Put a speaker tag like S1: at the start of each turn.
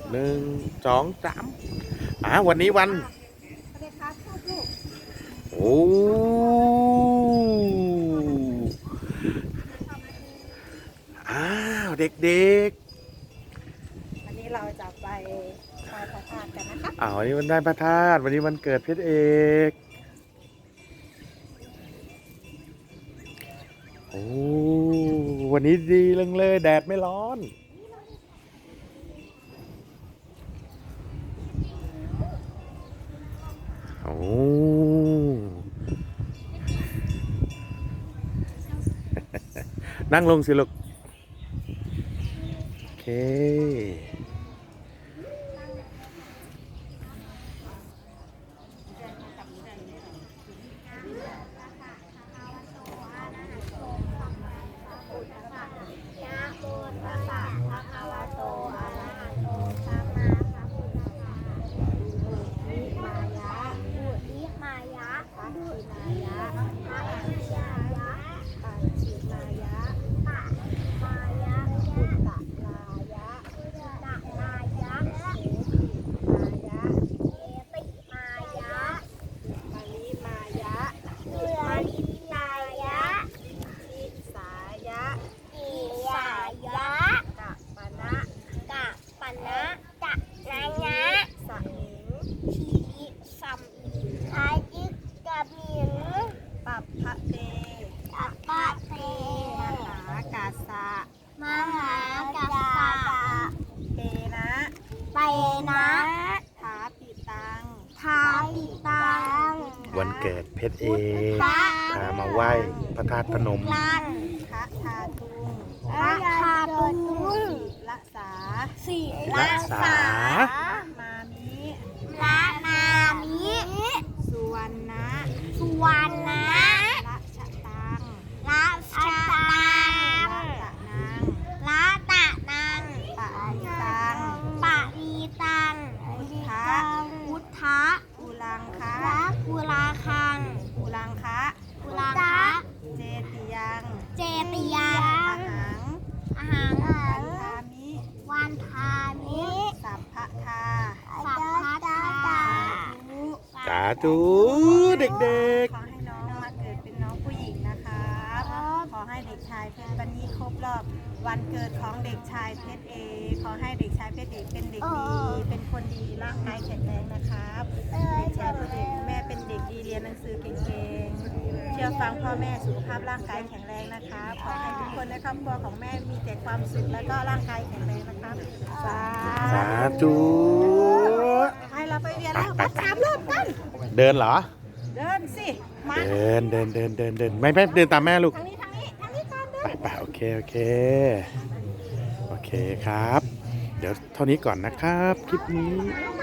S1: 1 2 3วันนี้วันโอ้เด็ก
S2: ๆวันนี้เราจะไปไหว้พระธาตุกันนะคะ
S1: วันนี้วันได้พระธาตุวันนี้วันเกิดเพชรเอก วันนี้ดีเลยแดดไม่ร้อนนั่งลงสิลูกโอเควันเกิดเพชรเอกพามาไหว้พระธาตุพนม
S2: พระธาตุละสามามิสุวรรณะละชะตังละตะนังปะรีตังพุทธะอุลังคังเจติยังอาหังวันทามิสัพพะทา
S1: สาธุเด็ก
S2: ขอให้น้องมาเกิดเป็นน้องผู้หญิงนะคะขอให้เด็กชายเพชรวันนี้ครบรอบวันเกิดของเด็กชายเพชรเอกขอให้เด็กชายเพชรเอกเป็นเด็กดีเป็นคนดีร่างกายแข็งแรงนะครับเด็กชายเพชรเอกแม่เป็นเด็กดีเรียนหนังสือเก่งๆเชื่อฟังพ่อแม่สุขภาพร่างกายแข็งแรงนะคะขอให้ทุกคนในครอบครัวของแม่มีแต่ความสุขและก็ร่างกายแข็งแรงนะครับ
S1: สาธุ
S2: ให้เราไปเรียนแล้ววัด3 รอบกัน
S1: เดินเหรอ
S2: เดินสิมา
S1: เดินไม่เดินตามแม่ลูก
S2: ทางนี้ก่อนเดิน
S1: ไปโอเคครับเดี๋ยวเท่านี้ก่อนนะครับคลิปนี้